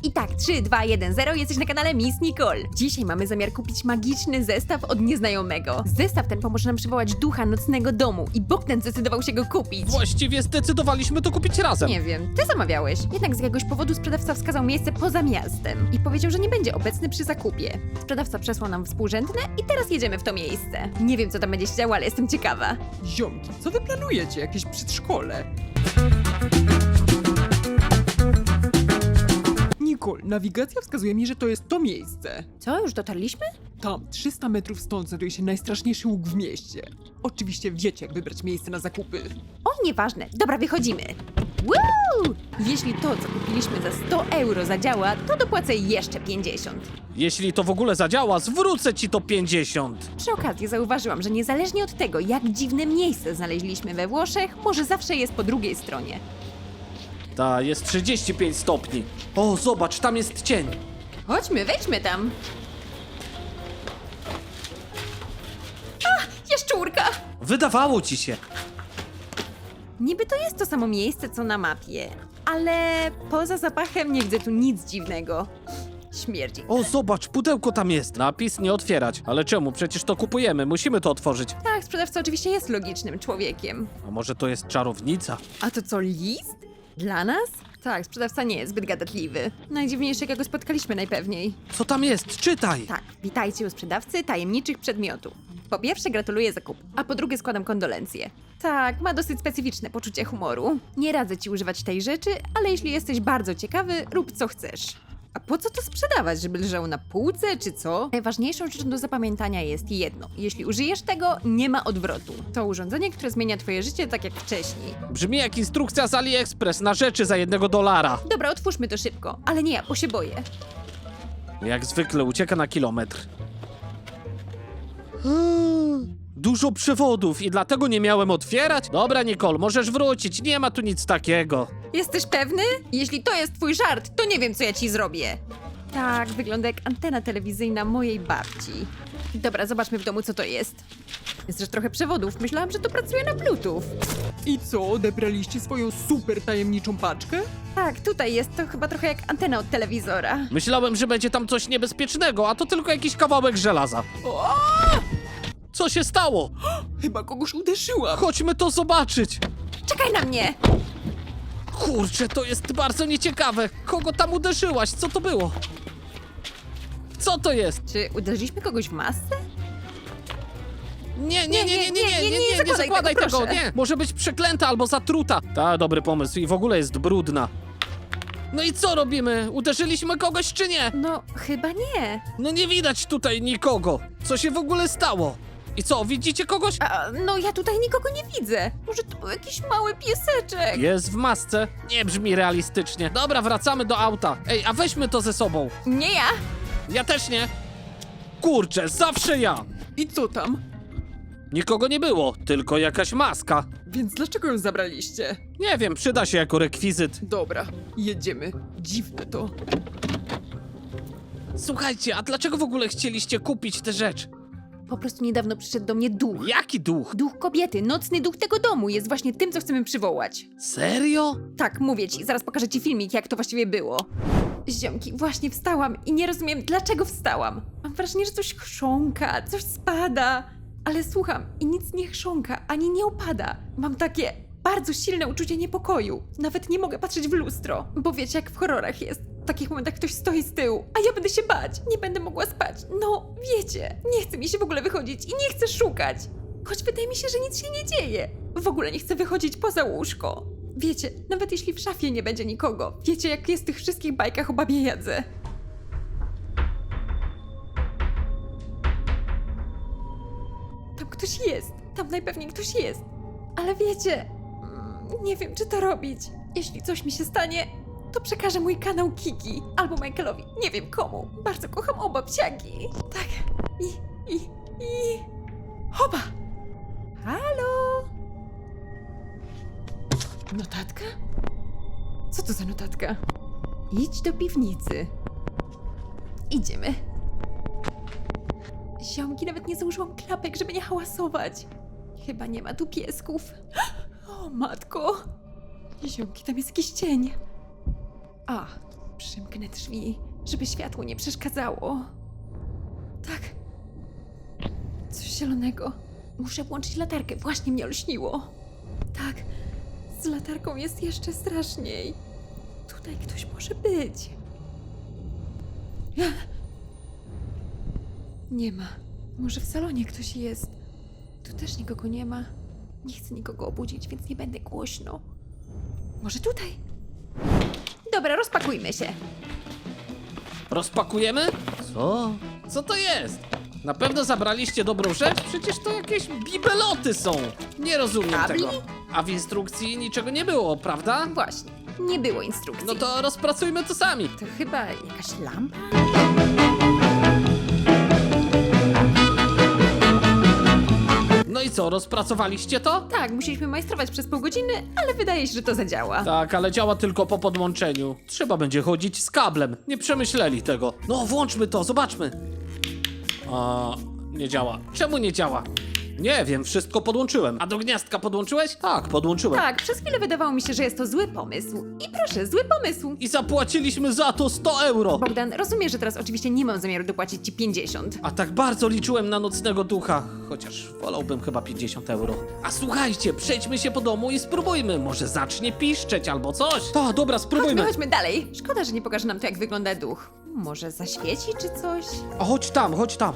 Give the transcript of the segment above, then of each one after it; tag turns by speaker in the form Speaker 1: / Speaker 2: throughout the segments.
Speaker 1: I tak, 3, 2, 1, 0, jesteś na kanale Miss Nicole. Dzisiaj mamy zamiar kupić magiczny zestaw od nieznajomego. Zestaw ten pomoże nam przywołać ducha nocnego domu i Bogdan zdecydował się go kupić.
Speaker 2: Właściwie zdecydowaliśmy to kupić razem.
Speaker 1: Nie wiem, ty zamawiałeś. Jednak z jakiegoś powodu sprzedawca wskazał miejsce poza miastem i powiedział, że nie będzie obecny przy zakupie. Sprzedawca przesłał nam współrzędne i teraz jedziemy w to miejsce. Nie wiem, co tam będzie się działo, ale jestem ciekawa.
Speaker 3: Ziomki, co wy planujecie? Jakieś przedszkole? Nicole, nawigacja wskazuje mi, że to jest to miejsce.
Speaker 1: Co, już dotarliśmy?
Speaker 3: Tam, 300 metrów stąd, znajduje się najstraszniejszy łuk w mieście. Oczywiście wiecie, jak wybrać miejsce na zakupy.
Speaker 1: O, nieważne. Dobra, wychodzimy. Woo! Jeśli to, co kupiliśmy za 100 euro zadziała, to dopłacę jeszcze 50.
Speaker 2: Jeśli to w ogóle zadziała, zwrócę ci to 50.
Speaker 1: Przy okazji zauważyłam, że niezależnie od tego, jak dziwne miejsce znaleźliśmy we Włoszech, może zawsze jest po drugiej stronie.
Speaker 2: Ta, jest 35 stopni. O, zobacz, tam jest cień.
Speaker 1: Chodźmy, wejdźmy tam. A, jaszczurka!
Speaker 2: Wydawało ci się.
Speaker 1: Niby to jest to samo miejsce, co na mapie, ale poza zapachem nie widzę tu nic dziwnego. Śmierdzi.
Speaker 2: O, zobacz, pudełko tam jest. Napis nie otwierać. Ale czemu? Przecież to kupujemy, musimy to otworzyć.
Speaker 1: Tak, sprzedawca oczywiście jest logicznym człowiekiem.
Speaker 2: A może to jest czarownica?
Speaker 1: A to co, list? Dla nas? Tak, sprzedawca nie jest zbyt gadatliwy. Najdziwniejszy, jakiego spotkaliśmy najpewniej.
Speaker 2: Co tam jest? Czytaj.
Speaker 1: Tak, witajcie u sprzedawcy tajemniczych przedmiotów. Po pierwsze gratuluję zakupu, a po drugie składam kondolencje. Tak, ma dosyć specyficzne poczucie humoru. Nie radzę ci używać tej rzeczy, ale jeśli jesteś bardzo ciekawy, rób co chcesz. A po co to sprzedawać, żeby leżało na półce, czy co? Najważniejszą rzeczą do zapamiętania jest jedno. Jeśli użyjesz tego, nie ma odwrotu. To urządzenie, które zmienia twoje życie tak jak wcześniej.
Speaker 2: Brzmi jak instrukcja z AliExpress na rzeczy za $1.
Speaker 1: Dobra, otwórzmy to szybko, ale nie ja, bo się boję.
Speaker 2: Jak zwykle ucieka na kilometr. Dużo przewodów i dlatego nie miałem otwierać? Dobra, Nicole, możesz wrócić, nie ma tu nic takiego.
Speaker 1: Jesteś pewny? Jeśli to jest twój żart, to nie wiem, co ja ci zrobię. Tak, wygląda jak antena telewizyjna mojej babci. Dobra, zobaczmy w domu, co to jest. Jest też trochę przewodów. Myślałam, że to pracuje na Bluetooth.
Speaker 3: I co, odebraliście swoją super tajemniczą paczkę?
Speaker 1: Tak, tutaj jest to chyba trochę jak antena od telewizora.
Speaker 2: Myślałem, że będzie tam coś niebezpiecznego, a to tylko jakiś kawałek żelaza. Co się stało?
Speaker 3: Chyba kogoś uderzyłam.
Speaker 2: Chodźmy to zobaczyć.
Speaker 1: Czekaj na mnie!
Speaker 2: Kurczę, to jest bardzo nieciekawe. Kogo tam uderzyłaś? Co to było? Co to jest?
Speaker 1: Czy uderzyliśmy kogoś w masce?
Speaker 2: Nie zakładaj tego,
Speaker 1: proszę.
Speaker 2: nie. Może być przeklęta albo zatruta. Ta, dobry pomysł i w ogóle jest brudna. No i co robimy? Uderzyliśmy kogoś czy nie?
Speaker 1: No, chyba nie.
Speaker 2: No nie widać tutaj nikogo. Co się w ogóle stało? I co, widzicie kogoś?
Speaker 1: No, ja tutaj nikogo nie widzę. Może to był jakiś mały pieseczek.
Speaker 2: Jest w masce. Nie brzmi realistycznie. Dobra, wracamy do auta. Ej, a weźmy to ze sobą.
Speaker 1: Nie ja.
Speaker 2: Ja też nie. Kurczę, zawsze ja.
Speaker 3: I co tam?
Speaker 2: Nikogo nie było, tylko jakaś maska.
Speaker 3: Więc dlaczego ją zabraliście?
Speaker 2: Nie wiem, przyda się jako rekwizyt.
Speaker 3: Dobra, jedziemy. Dziwne to.
Speaker 2: Słuchajcie, a dlaczego w ogóle chcieliście kupić tę rzecz?
Speaker 1: Po prostu niedawno przyszedł do mnie duch.
Speaker 2: Jaki duch?
Speaker 1: Duch kobiety, nocny duch tego domu jest właśnie tym, co chcemy przywołać.
Speaker 2: Serio?
Speaker 1: Tak, mówię ci, zaraz pokażę ci filmik, jak to właściwie było. Ziomki, właśnie wstałam i nie rozumiem, dlaczego wstałam. Mam wrażenie, że coś chrząka, coś spada. Ale słucham i nic nie chrząka, ani nie opada. Mam takie bardzo silne uczucie niepokoju. Nawet nie mogę patrzeć w lustro, bo wiecie, jak w horrorach jest. W takich momentach ktoś stoi z tyłu, a ja będę się bać. Nie będę mogła spać. No, wiecie, nie chce mi się w ogóle wychodzić i nie chcę szukać. Choć wydaje mi się, że nic się nie dzieje. W ogóle nie chcę wychodzić poza łóżko. Wiecie, nawet jeśli w szafie nie będzie nikogo, wiecie, jak jest w tych wszystkich bajkach o babie Jadze. Tam ktoś jest. Tam najpewniej ktoś jest. Ale wiecie, nie wiem, czy to robić. Jeśli coś mi się stanie, to przekażę mój kanał Kiki albo Michaelowi. Nie wiem komu. Bardzo kocham oba psiaki. Tak. I... Hopa! Halo? Notatka? Co to za notatka? Idź do piwnicy. Idziemy. Ziomki, nawet nie założyłam klapek, żeby nie hałasować. Chyba nie ma tu piesków. O matko! Ziomki, tam jest jakiś cień. A, Przymknę drzwi, żeby światło nie przeszkadzało. Tak. Coś zielonego. Muszę włączyć latarkę. Właśnie mnie olśniło. Tak. Z latarką jest jeszcze straszniej. Tutaj ktoś może być. Nie ma. Może w salonie ktoś jest. Tu też nikogo nie ma. Nie chcę nikogo obudzić, więc nie będę głośno. Może tutaj? Dobra, rozpakujmy się.
Speaker 2: Rozpakujemy? Co? Co to jest? Na pewno zabraliście dobrą rzecz? Przecież to jakieś bibeloty są. Nie rozumiem
Speaker 1: Kabli?
Speaker 2: tego. A w instrukcji niczego nie było, prawda?
Speaker 1: Właśnie, nie było instrukcji.
Speaker 2: No to rozpracujmy to sami.
Speaker 1: To chyba jakaś lampa?
Speaker 2: No i co, rozpracowaliście to?
Speaker 1: Tak, musieliśmy majstrować przez pół godziny, ale wydaje się, że to zadziała.
Speaker 2: Tak, ale działa tylko po podłączeniu. Trzeba będzie chodzić z kablem. Nie przemyśleli tego. No, włączmy to, zobaczmy. Nie działa. Czemu nie działa? Nie wiem, wszystko podłączyłem. A do gniazdka podłączyłeś? Tak, podłączyłem.
Speaker 1: Tak, przez chwilę wydawało mi się, że jest to zły pomysł. I proszę, zły pomysł.
Speaker 2: I zapłaciliśmy za to 100 euro.
Speaker 1: Bogdan, rozumiem, że teraz oczywiście nie mam zamiaru dopłacić ci 50.
Speaker 2: A tak bardzo liczyłem na nocnego ducha. Chociaż wolałbym chyba 50 euro. A słuchajcie, przejdźmy się po domu i spróbujmy. Może zacznie piszczeć albo coś. Tak, dobra, spróbujmy.
Speaker 1: Chodźmy dalej. Szkoda, że nie pokaże nam to, jak wygląda duch. Może zaświeci czy coś?
Speaker 2: A chodź tam, chodź tam.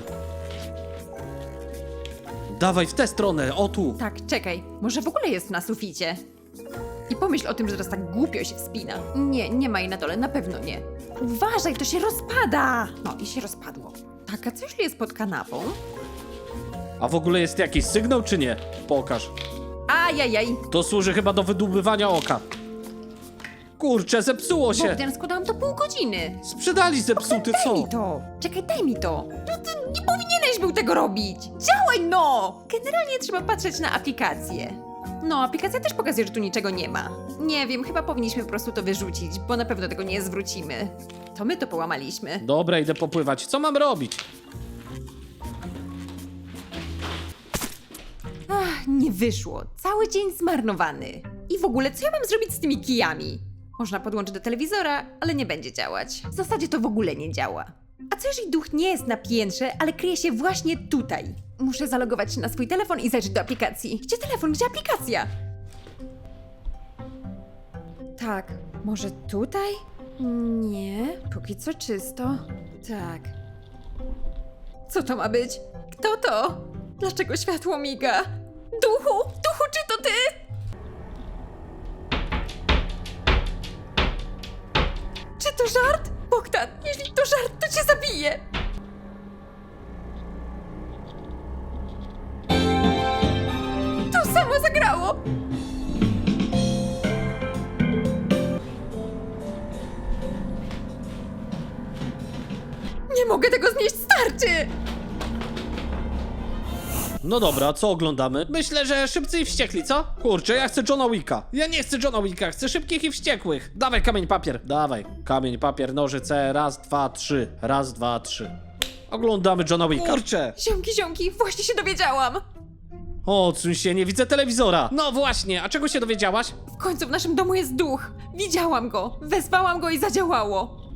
Speaker 2: Dawaj w tę stronę, o tu.
Speaker 1: Tak, czekaj. Może w ogóle jest na suficie? I pomyśl o tym, że teraz tak głupio się wspina. Nie, nie ma jej na dole, na pewno nie. Uważaj, to się rozpada! No i się rozpadło. Tak, a co jeśli jest pod kanapą?
Speaker 2: A w ogóle jest jakiś sygnał czy nie? Pokaż.
Speaker 1: Ajajaj!
Speaker 2: To służy chyba do wydłubywania oka. Kurczę, zepsuło się.
Speaker 1: Bogdan, składałam to pół godziny.
Speaker 2: Sprzedali zepsuty,
Speaker 1: Daj
Speaker 2: co?
Speaker 1: mi to! Czekaj, daj mi to! Ty nie powinieneś był tego robić! Działaj no! Generalnie trzeba patrzeć na aplikację. No, aplikacja też pokazuje, że tu niczego nie ma. Nie wiem, chyba powinniśmy po prostu to wyrzucić, bo na pewno tego nie zwrócimy. To my to połamaliśmy.
Speaker 2: Dobra, idę popływać. Co mam robić?
Speaker 1: Ach, nie wyszło. Cały dzień zmarnowany. I w ogóle, co ja mam zrobić z tymi kijami? Można podłączyć do telewizora, ale nie będzie działać. W zasadzie to w ogóle nie działa. A co jeżeli duch nie jest na piętrze, ale kryje się właśnie tutaj? Muszę zalogować się na swój telefon i zajrzeć do aplikacji. Gdzie telefon? Gdzie aplikacja? Tak, może tutaj? Nie, póki co czysto. Tak. Co to ma być? Kto to? Dlaczego światło miga? Duchu! Duchu, czy to ty? Czy to żart? Bogdan, jeśli to żart, to cię zabiję! To samo zagrało! Nie mogę tego znieść, starczy!
Speaker 2: No dobra, co oglądamy? Myślę, że Szybcy i Wściekli, co? Kurczę, ja chcę Johna Wicka. Ja nie chcę Johna Wicka, chcę Szybkich i Wściekłych. Dawaj kamień, papier. Dawaj. Kamień, papier, nożyce. Raz, dwa, trzy. Raz, dwa, trzy. Oglądamy Johna Wicka. Kurczę.
Speaker 1: Ziomki, właśnie się dowiedziałam!
Speaker 2: Odsuń się, nie widzę telewizora. No właśnie, a czego się dowiedziałaś?
Speaker 1: W końcu w naszym domu jest duch. Widziałam go, wezwałam go i zadziałało.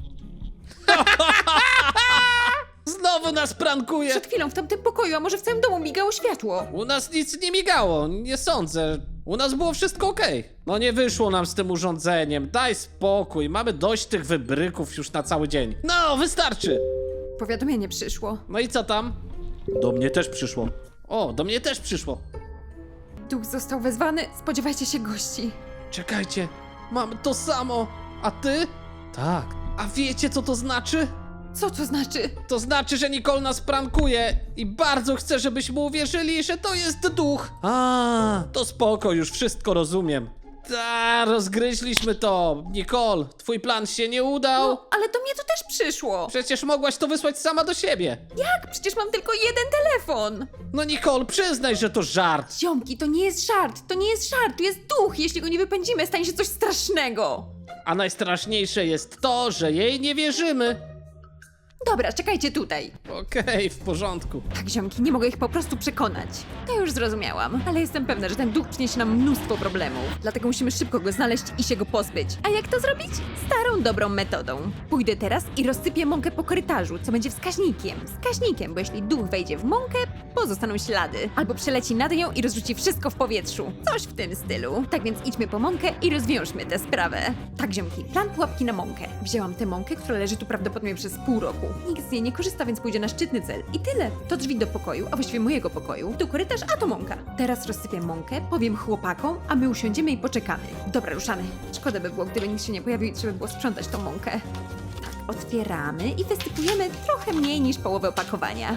Speaker 2: Znowu nas prankuje.
Speaker 1: Przed chwilą w tamtym pokoju, a może w całym domu migało światło.
Speaker 2: U nas nic nie migało, nie sądzę. U nas było wszystko okej. No nie wyszło nam z tym urządzeniem, daj spokój, mamy dość tych wybryków już na cały dzień. No, wystarczy.
Speaker 1: Powiadomienie przyszło.
Speaker 2: No i co tam? Do mnie też przyszło. O, do mnie też przyszło.
Speaker 1: Duch został wezwany, spodziewajcie się gości.
Speaker 2: Czekajcie, mam to samo. A ty? Tak. A wiecie co to znaczy?
Speaker 1: Co to znaczy?
Speaker 2: To znaczy, że Nicole nas prankuje i bardzo chce, żebyśmy uwierzyli, że to jest duch. A, to spoko, już wszystko rozumiem. Ta, rozgryźliśmy to. Nicole, twój plan się nie udał.
Speaker 1: No, ale do mnie to też przyszło.
Speaker 2: Przecież mogłaś to wysłać sama do siebie.
Speaker 1: Jak? Przecież mam tylko jeden telefon.
Speaker 2: No Nicole, przyznaj, że to żart.
Speaker 1: Ziomki, to nie jest żart, to nie jest żart, to jest duch. Jeśli go nie wypędzimy, stanie się coś strasznego.
Speaker 2: A najstraszniejsze jest to, że jej nie wierzymy.
Speaker 1: Dobra, czekajcie tutaj.
Speaker 2: Okej, w porządku.
Speaker 1: Tak, ziomki, nie mogę ich po prostu przekonać. To już zrozumiałam, ale jestem pewna, że ten duch przyniesie nam mnóstwo problemów. Dlatego musimy szybko go znaleźć i się go pozbyć. A jak to zrobić? Starą, dobrą metodą. Pójdę teraz i rozsypię mąkę po korytarzu, co będzie wskaźnikiem. Wskaźnikiem, bo jeśli duch wejdzie w mąkę, pozostaną ślady. Albo przeleci nad nią i rozrzuci wszystko w powietrzu. Coś w tym stylu. Tak więc idźmy po mąkę i rozwiążmy tę sprawę. Tak, ziomki, plan pułapki na mąkę. Wzięłam tę mąkę, która leży tu prawdopodobnie przez pół roku. Nikt z niej nie korzysta, więc pójdzie na szczytny cel. I tyle. To drzwi do pokoju, a właściwie mojego pokoju. Tu korytarz, a to mąka. Teraz rozsypię mąkę, powiem chłopakom, a my usiądziemy i poczekamy. Dobra, ruszamy. Szkoda by było, gdyby nikt się nie pojawił i trzeba było sprzątać tą mąkę. Tak, otwieramy i wysypujemy trochę mniej niż połowę opakowania.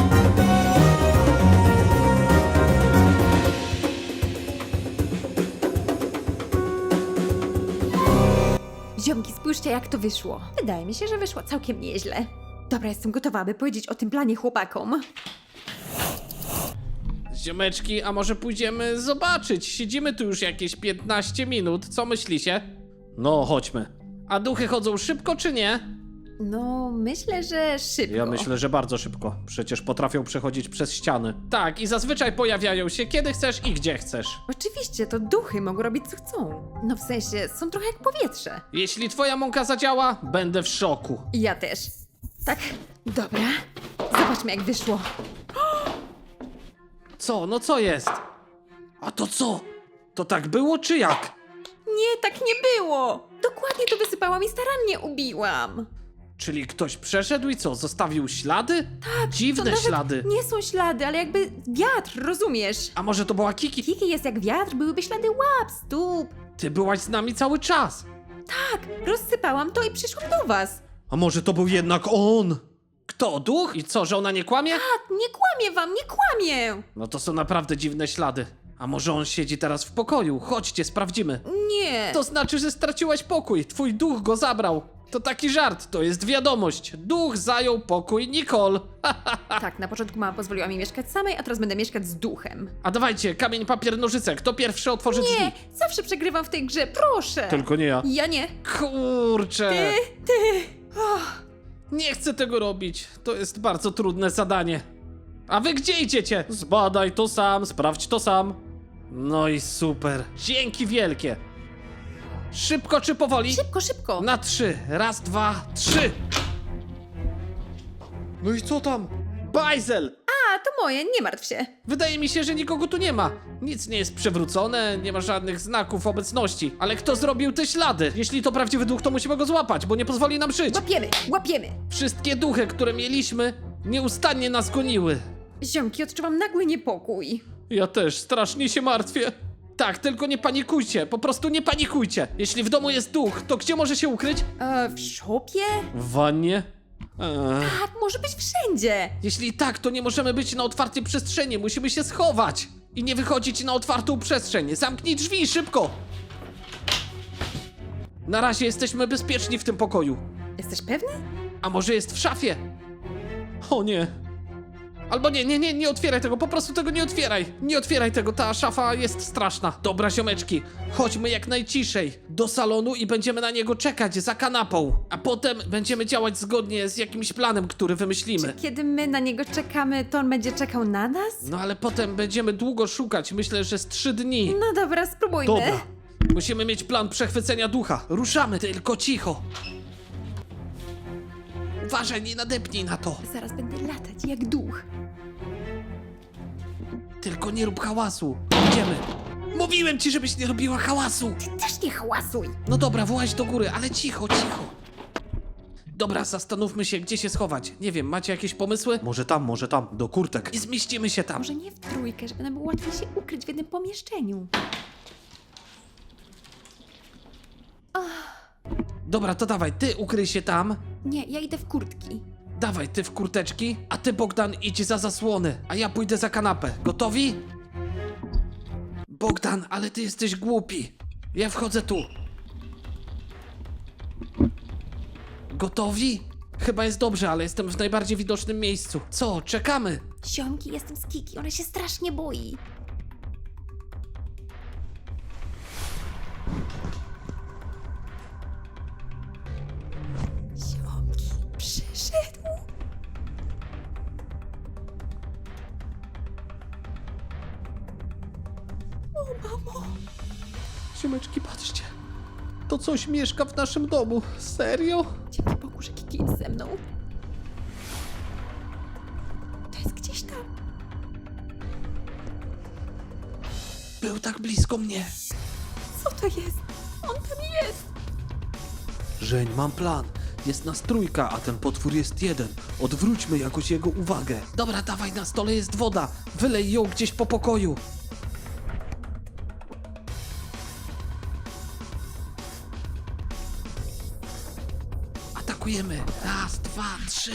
Speaker 1: Ziomki, spójrzcie, jak to wyszło. Wydaje mi się, że wyszło całkiem nieźle. Dobra, jestem gotowa, by powiedzieć o tym planie chłopakom.
Speaker 2: Ziomeczki, a może pójdziemy zobaczyć? Siedzimy tu już jakieś 15 minut, co myślicie? No, chodźmy. A duchy chodzą szybko czy nie?
Speaker 1: No, myślę, że szybko.
Speaker 2: Ja myślę, że bardzo szybko. Przecież potrafią przechodzić przez ściany. Tak, i zazwyczaj pojawiają się kiedy chcesz i gdzie chcesz.
Speaker 1: Oczywiście, to duchy mogą robić co chcą. No w sensie, są trochę jak powietrze.
Speaker 2: Jeśli twoja mąka zadziała, będę w szoku.
Speaker 1: I ja też. Tak, dobra. Zobaczmy, jak wyszło.
Speaker 2: Co? No co jest? A to co? To tak było czy jak?
Speaker 1: Nie, tak nie było. Dokładnie to wysypałam i starannie ubiłam.
Speaker 2: Czyli ktoś przeszedł i co? Zostawił ślady?
Speaker 1: Tak,
Speaker 2: Dziwne
Speaker 1: to nawet
Speaker 2: ślady.
Speaker 1: nie są ślady, ale jakby wiatr, rozumiesz?
Speaker 2: A może to była Kiki?
Speaker 1: Kiki jest jak wiatr, byłyby ślady łap, stóp.
Speaker 2: Ty byłaś z nami cały czas.
Speaker 1: Tak, rozsypałam to i przyszłam do was.
Speaker 2: A może to był jednak on? Kto? Duch? I co, że ona nie kłamie?
Speaker 1: Tak, nie kłamię wam, nie kłamię.
Speaker 2: No to są naprawdę dziwne ślady. A może on siedzi teraz w pokoju? Chodźcie, sprawdzimy.
Speaker 1: Nie.
Speaker 2: To znaczy, że straciłaś pokój. Twój duch go zabrał. To taki żart, to jest wiadomość. Duch zajął pokój Nicole.
Speaker 1: Tak, na początku mama pozwoliła mi mieszkać samej, a teraz będę mieszkać z duchem.
Speaker 2: A dawajcie, kamień, papier, nożyce. Kto pierwszy otworzy drzwi?
Speaker 1: Nie, zawsze przegrywam w tej grze, proszę.
Speaker 2: Tylko nie ja.
Speaker 1: Ja nie.
Speaker 2: Kurczę.
Speaker 1: Ty.
Speaker 2: Nie chcę tego robić. To jest bardzo trudne zadanie. A wy gdzie idziecie? Zbadaj to sam, sprawdź to sam. No i super. Dzięki wielkie. Szybko czy powoli?
Speaker 1: Szybko, szybko.
Speaker 2: Na 3. Raz, 2, 3. No i co tam? Bajzel!
Speaker 1: A, to moje, nie martw się.
Speaker 2: Wydaje mi się, że nikogo tu nie ma. Nic nie jest przewrócone, nie ma żadnych znaków obecności. Ale kto zrobił te ślady? Jeśli to prawdziwy duch, to musimy go złapać, bo nie pozwoli nam żyć.
Speaker 1: Łapiemy, łapiemy.
Speaker 2: Wszystkie duchy, które mieliśmy, nieustannie nas goniły.
Speaker 1: Ziomki, odczuwam nagły niepokój.
Speaker 2: Ja też strasznie się martwię. Tak, tylko nie panikujcie, po prostu nie panikujcie. Jeśli w domu jest duch, to gdzie może się ukryć?
Speaker 1: W szopie?
Speaker 2: W wannie?
Speaker 1: Tak, może być wszędzie.
Speaker 2: Jeśli tak, to nie możemy być na otwartej przestrzeni, musimy się schować. I nie wychodzić na otwartą przestrzeń. Zamknij drzwi, szybko! Na razie jesteśmy bezpieczni w tym pokoju.
Speaker 1: Jesteś pewny?
Speaker 2: A może jest w szafie? O nie. Albo nie otwieraj tego, po prostu tego nie otwieraj. Nie otwieraj tego, ta szafa jest straszna. Dobra, ziomeczki, chodźmy jak najciszej do salonu i będziemy na niego czekać za kanapą. A potem będziemy działać zgodnie z jakimś planem, który wymyślimy.
Speaker 1: Kiedy my na niego czekamy, to on będzie czekał na nas?
Speaker 2: No ale potem będziemy długo szukać, myślę, że z 3 dni.
Speaker 1: No dobra, spróbujmy.
Speaker 2: Dobra. Musimy mieć plan przechwycenia ducha. Ruszamy, tylko cicho. Uważaj, nie nadepnij na to.
Speaker 1: Zaraz będę latać jak duch.
Speaker 2: Tylko nie rób hałasu. Idziemy. Mówiłem ci, żebyś nie robiła hałasu.
Speaker 1: Ty też nie hałasuj.
Speaker 2: No dobra, właź do góry, ale cicho, cicho. Dobra, zastanówmy się, gdzie się schować. Nie wiem, macie jakieś pomysły? Może tam, do kurtek. I zmieścimy się tam.
Speaker 1: Może nie w trójkę, żeby nam było łatwiej się ukryć w jednym pomieszczeniu.
Speaker 2: Dobra, to dawaj, ty ukryj się tam.
Speaker 1: Nie, ja idę w kurtki.
Speaker 2: Dawaj, ty w kurteczki, a ty, Bogdan, idź za zasłony, a ja pójdę za kanapę. Gotowi? Bogdan, ale ty jesteś głupi. Ja wchodzę tu. Gotowi? Chyba jest dobrze, ale jestem w najbardziej widocznym miejscu. Co, czekamy?
Speaker 1: Ziomki, jestem z Kiki, ona się strasznie boi. Ziomki, przyszedł. mamo.
Speaker 2: Ziomeczki, patrzcie. To coś mieszka w naszym domu. Serio?
Speaker 1: Dzięki Bogu, że Kiki jest ze mną. To jest gdzieś tam.
Speaker 2: Był tak blisko mnie.
Speaker 1: Co to jest? On tam jest.
Speaker 2: Żeń, mam plan. Jest nas trójka, a ten potwór jest jeden. Odwróćmy jakoś jego uwagę. Dobra, dawaj, na stole jest woda. Wylej ją gdzieś po pokoju. Atakujemy. Raz, dwa, trzy.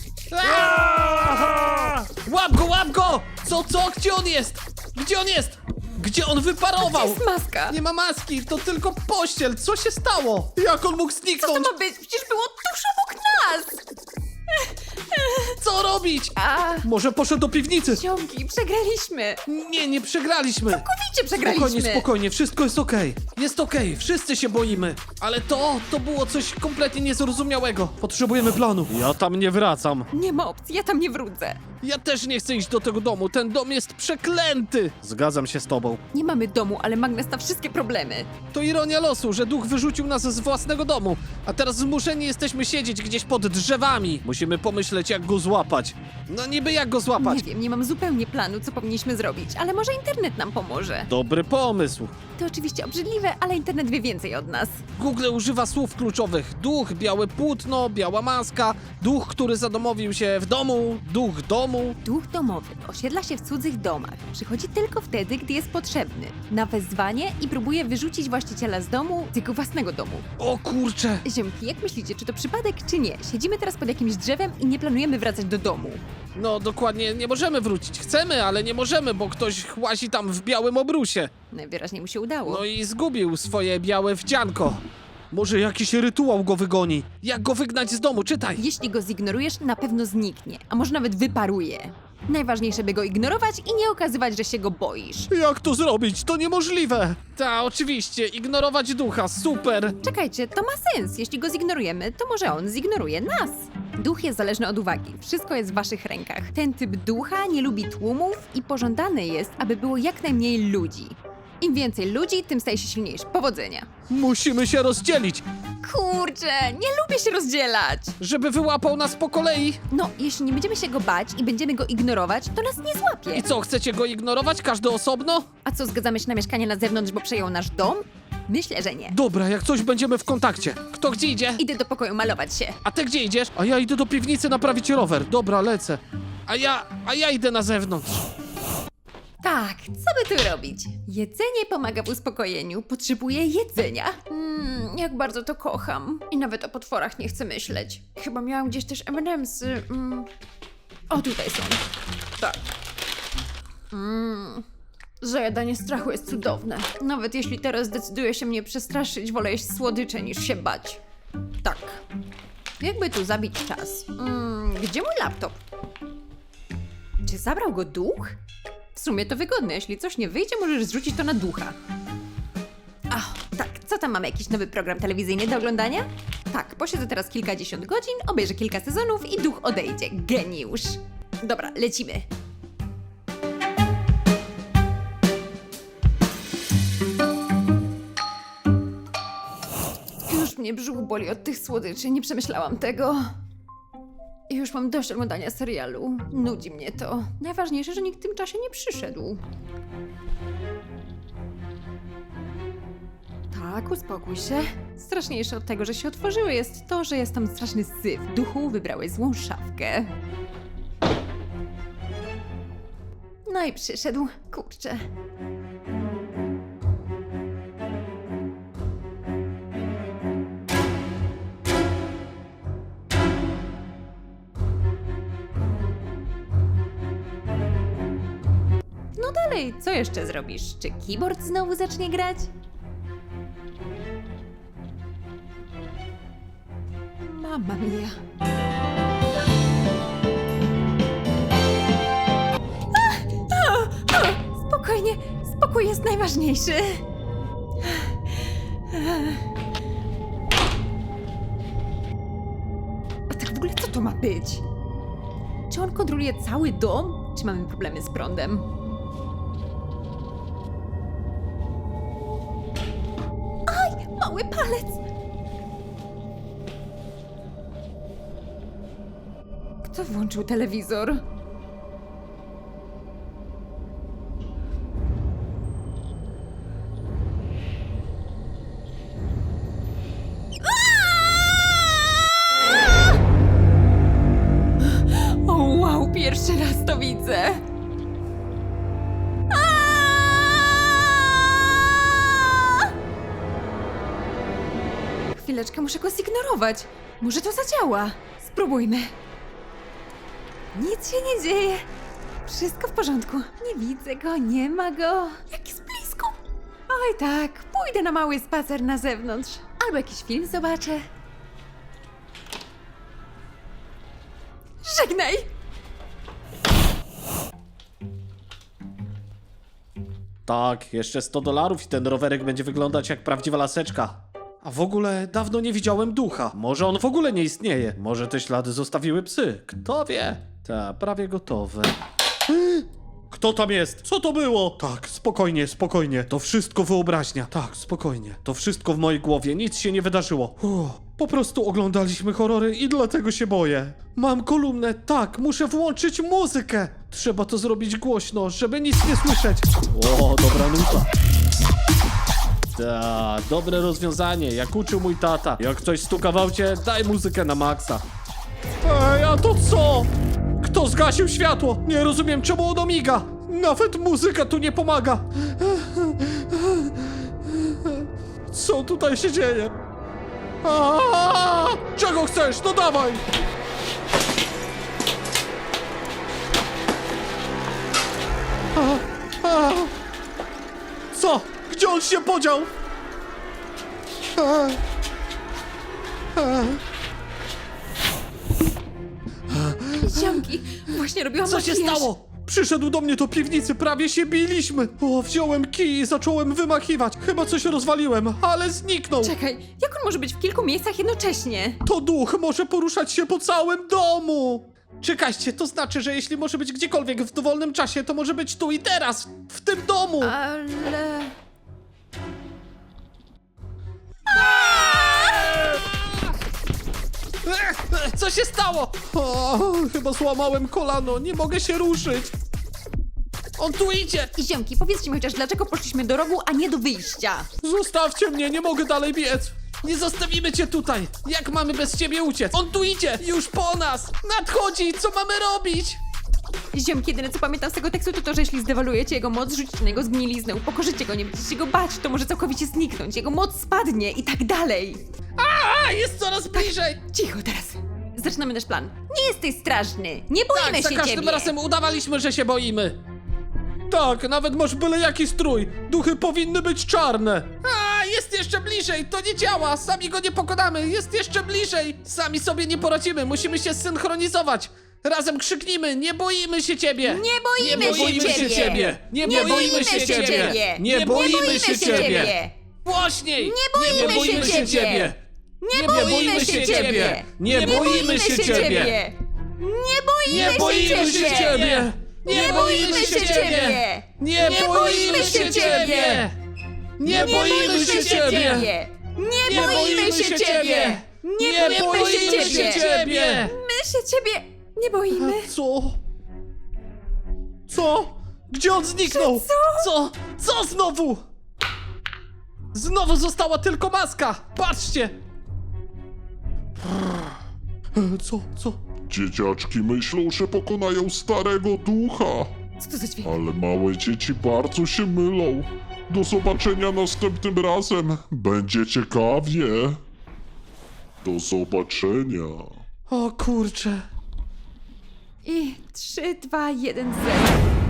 Speaker 2: Aaaa! Łap go, łap go! Co? Gdzie on jest? Gdzie on jest? Gdzie on wyparował?
Speaker 1: Jest maska.
Speaker 2: Nie ma maski, to tylko pościel. Co się stało? Jak on mógł
Speaker 1: Co to
Speaker 2: zniknąć?
Speaker 1: ma być? Przecież było tuż obok nas.
Speaker 2: Co robić?
Speaker 1: A,
Speaker 2: Może poszedł do piwnicy?
Speaker 1: ziomki, przegraliśmy.
Speaker 2: Nie przegraliśmy.
Speaker 1: Całkowicie przegraliśmy.
Speaker 2: Spokojnie, wszystko jest okej. Jest okej, wszyscy się boimy. Ale to było coś kompletnie niezrozumiałego. Potrzebujemy planu. Ja tam nie wracam.
Speaker 1: Nie ma opcji, ja tam nie wrócę.
Speaker 2: Ja też nie chcę iść do tego domu, ten dom jest przeklęty. Zgadzam się z tobą.
Speaker 1: Nie mamy domu, ale magnes na wszystkie problemy.
Speaker 2: To ironia losu, że duch wyrzucił nas z własnego domu, a teraz zmuszeni jesteśmy siedzieć gdzieś pod drzewami. Musimy pomyśleć, jak go złapać. No niby jak go złapać?
Speaker 1: Nie wiem, nie mam zupełnie planu, co powinniśmy zrobić, ale może internet nam pomoże.
Speaker 2: Dobry pomysł.
Speaker 1: To oczywiście obrzydliwe, ale internet wie więcej od nas.
Speaker 2: Google używa słów kluczowych. Duch, białe płótno, biała maska, duch, który zadomowił się w domu, duch domu.
Speaker 1: Duch domowy osiedla się w cudzych domach. Przychodzi tylko wtedy, gdy jest potrzebny. Na wezwanie i próbuje wyrzucić właściciela z domu, z jego własnego domu.
Speaker 2: O kurcze!
Speaker 1: Ziemki, jak myślicie, czy to przypadek, czy nie? Siedzimy teraz pod jakimś drzewem i nie planujemy wracać do domu.
Speaker 2: No dokładnie, nie możemy wrócić. Chcemy, ale nie możemy, bo ktoś łazi tam w białym obrusie.
Speaker 1: Najwyraźniej mu się udało.
Speaker 2: No i zgubił swoje białe wdzianko. Może jakiś rytuał go wygoni. Jak go wygnać z domu? Czytaj!
Speaker 1: Jeśli go zignorujesz, na pewno zniknie, a może nawet wyparuje. Najważniejsze, by go ignorować i nie okazywać, że się go boisz.
Speaker 2: Jak to zrobić? To niemożliwe! Ta, oczywiście, ignorować ducha, super!
Speaker 1: Czekajcie, to ma sens. Jeśli go zignorujemy, to może on zignoruje nas. Duch jest zależny od uwagi. Wszystko jest w waszych rękach. Ten typ ducha nie lubi tłumów i pożądane jest, aby było jak najmniej ludzi. Im więcej ludzi, tym staje się silniejszy. Powodzenia.
Speaker 2: Musimy się rozdzielić,
Speaker 1: Kurczę, nie lubię się rozdzielać.
Speaker 2: żeby wyłapał nas po kolei.
Speaker 1: No, jeśli nie będziemy się go bać i będziemy go ignorować, to nas nie złapie.
Speaker 2: I co, chcecie go ignorować, każdy osobno?
Speaker 1: A co, zgadzamy się na mieszkanie na zewnątrz, bo przejął nasz dom? Myślę, że nie.
Speaker 2: Dobra, jak coś będziemy w kontakcie. Kto gdzie idzie?
Speaker 1: Idę do pokoju malować się.
Speaker 2: A ty gdzie idziesz? A ja idę do piwnicy naprawić rower. Dobra, lecę. A ja idę na zewnątrz.
Speaker 1: Tak, co by tu robić? Jedzenie pomaga w uspokojeniu. Potrzebuję jedzenia. Jak bardzo to kocham. I nawet o potworach nie chcę myśleć. Chyba miałam gdzieś też M&M'sy. O, tutaj są. Tak. Zajadanie strachu jest cudowne. Nawet jeśli teraz decyduje się mnie przestraszyć, wolę jeść słodycze niż się bać. Tak. Jakby tu zabić czas? Gdzie mój laptop? Czy zabrał go duch? W sumie to wygodne, jeśli coś nie wyjdzie, możesz zrzucić to na ducha. Ach, tak, co tam mamy? Jakiś nowy program telewizyjny do oglądania? Tak, posiedzę teraz kilkadziesiąt godzin, obejrzę kilka sezonów i duch odejdzie. Geniusz! Dobra, lecimy. Już mnie brzuch boli od tych słodyczy, nie przemyślałam tego. I już mam dość oglądania serialu. Nudzi mnie to. Najważniejsze, że nikt w tym czasie nie przyszedł. Tak, uspokój się. Straszniejsze od tego, że się otworzyły, jest to, że jest tam straszny syf. Duchu, wybrałeś złą szafkę. No i przyszedł. Kurczę. No dalej, co jeszcze zrobisz? Czy keyboard znowu zacznie grać? Mamma mia. Spokojnie, spokój jest najważniejszy. A tak w ogóle co to ma być? Czy on kontroluje cały dom? Czy mamy problemy z prądem? mały palec. Kto włączył telewizor? O wow, pierwszy raz to widzę. Chwileczkę, muszę go zignorować. Może to zadziała. Spróbujmy. Nic się nie dzieje. Wszystko w porządku. Nie widzę go, nie ma go. Jak jest blisko. Oj tak, pójdę na mały spacer na zewnątrz. Albo jakiś film zobaczę. Żegnaj!
Speaker 2: Tak, jeszcze $100 i ten rowerek będzie wyglądać jak prawdziwa laseczka. A w ogóle dawno nie widziałem ducha. Może on w ogóle nie istnieje. Może te ślady zostawiły psy. Kto wie? Ta, prawie gotowe. Kto tam jest? Co to było? Tak, spokojnie, spokojnie. To wszystko wyobraźnia. Tak, spokojnie. To wszystko w mojej głowie. Nic się nie wydarzyło. Po prostu oglądaliśmy horrory i dlatego się boję. Mam kolumnę. Tak, muszę włączyć muzykę. Trzeba to zrobić głośno, żeby nic nie słyszeć. O, dobra nuta. Ta, dobre rozwiązanie, jak uczył mój tata. Jak ktoś stuka w aucie, daj muzykę na maksa. Ej, a to co? Kto zgasił światło? Nie rozumiem, czemu ono miga. Nawet muzyka tu nie pomaga. Co tutaj się dzieje? Czego chcesz? No dawaj! Co? Gdzie on się podział?
Speaker 1: Ziomki, właśnie robiłam
Speaker 2: Co się
Speaker 1: makijaż.
Speaker 2: stało? Przyszedł do mnie do piwnicy, prawie się biliśmy. O, wziąłem kij i zacząłem wymachiwać. Chyba coś rozwaliłem, ale zniknął.
Speaker 1: Czekaj, jak on może być w kilku miejscach jednocześnie?
Speaker 2: To duch może poruszać się po całym domu. Czekajcie, to znaczy, że jeśli może być gdziekolwiek w dowolnym czasie, to może być tu i teraz, w tym domu.
Speaker 1: Ale...
Speaker 2: Co się stało? O, chyba złamałem kolano, nie mogę się ruszyć. On tu idzie.
Speaker 1: I ziomki, powiedzcie mi chociaż, dlaczego poszliśmy do rogu, a nie do wyjścia?
Speaker 2: Zostawcie mnie, nie mogę dalej biec. Nie zostawimy cię tutaj. Jak mamy bez ciebie uciec? On tu idzie, już po nas. Nadchodzi, co mamy robić?
Speaker 1: Ziomki, jedyne co pamiętam z tego tekstu to to, że jeśli zdewalujecie jego moc, rzucicie na jego zgniliznę, upokorzycie go, nie będziecie go bać, to może całkowicie zniknąć, jego moc spadnie i tak dalej.
Speaker 2: A, jest coraz bliżej.
Speaker 1: Cicho teraz. Zaczynamy nasz plan. Nie jesteś straszny, nie boimy
Speaker 2: Tak, za
Speaker 1: się
Speaker 2: każdym
Speaker 1: ciebie.
Speaker 2: razem udawaliśmy, że się boimy. Tak, nawet masz byle jaki strój. Duchy powinny być czarne. A, jest jeszcze bliżej, to nie działa. Sami go nie pokonamy, jest jeszcze bliżej. Sami sobie nie poradzimy, musimy się zsynchronizować. Razem krzyknijmy, nie boimy się ciebie.
Speaker 1: Nie boimy się ciebie.
Speaker 2: Nie boimy się ciebie. Nie boimy się ciebie. Głośniej.
Speaker 1: Nie boimy się ciebie. Nie boimy się ciebie.
Speaker 2: Nie boimy się ciebie.
Speaker 1: Nie boimy się ciebie.
Speaker 2: Nie boimy się ciebie. Nie boimy się ciebie. Nie boimy się ciebie.
Speaker 1: Nie boimy się ciebie. Nie boimy się ciebie. My się ciebie nie boimy.
Speaker 2: Co? Co? Gdzie on zniknął? Co? Co znowu? Znowu została tylko maska. Patrzcie. Co?
Speaker 4: Dzieciaczki myślą, że pokonają starego ducha,
Speaker 1: Co to za dźwięk?
Speaker 4: ale małe dzieci bardzo się mylą. Do zobaczenia następnym razem. Będzie ciekawie. Do zobaczenia.
Speaker 2: O kurcze.
Speaker 1: I 3, 2, 1, 0.